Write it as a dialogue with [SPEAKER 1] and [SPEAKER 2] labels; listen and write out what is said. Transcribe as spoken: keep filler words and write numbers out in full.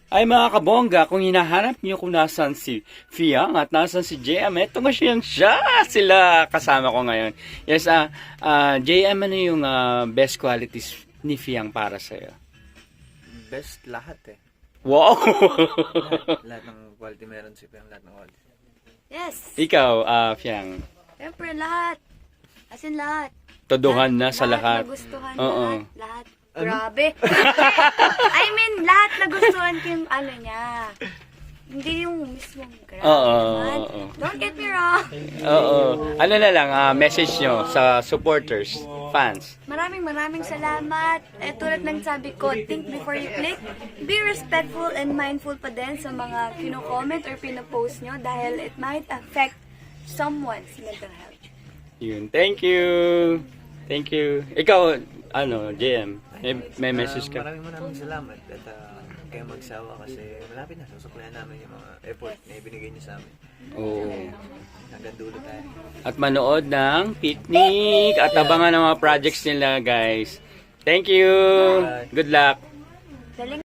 [SPEAKER 1] Ay mga kabongga, kung hinahanap niyo kung nasan si Fiang at nasan si J M, eto nga siya, siya sila kasama ko ngayon. Yes, ah uh, J M, ano yung uh, best qualities ni Fiang para sa'yo?
[SPEAKER 2] Best lahat eh.
[SPEAKER 1] Wow!
[SPEAKER 2] lahat, lahat ng quality meron si Fiang, lahat ng quality.
[SPEAKER 3] Yes.
[SPEAKER 1] Ikaw, uh, Fiang,
[SPEAKER 3] Siyempre, lahat. As in, lahat.
[SPEAKER 1] todohan na sa lahat.
[SPEAKER 3] Lahat nagustuhan,
[SPEAKER 1] Oo.
[SPEAKER 3] lahat. Lahat. Grabe. I mean, lahat nagustuhan ko yung ano niya. Hindi yung mismong grabe
[SPEAKER 1] Oo,
[SPEAKER 3] naman.
[SPEAKER 1] oo.
[SPEAKER 3] Don't get me wrong.
[SPEAKER 1] Oo. Ano na lang, ah, message nyo sa supporters, fans.
[SPEAKER 3] Maraming maraming salamat. Eh, tulad ng sabi ko, think before you click. Be respectful and mindful pa din sa mga kino-comment or pino-post nyo dahil it might affect someone's mental health.
[SPEAKER 1] Yun. Thank you. Thank you. Ikaw, ano, J M, may, may message
[SPEAKER 2] Ah, maraming maraming salamat at uh, kayo magsawa kasi malapit na. Susuklayan namin yung mga effort na ibinigay niyo sa amin.
[SPEAKER 1] Oo.
[SPEAKER 2] Hanggang dulo tayo.
[SPEAKER 1] At manood ng picnic at abangan ng mga projects nila, guys. Thank you. Good luck.
[SPEAKER 3] Galing.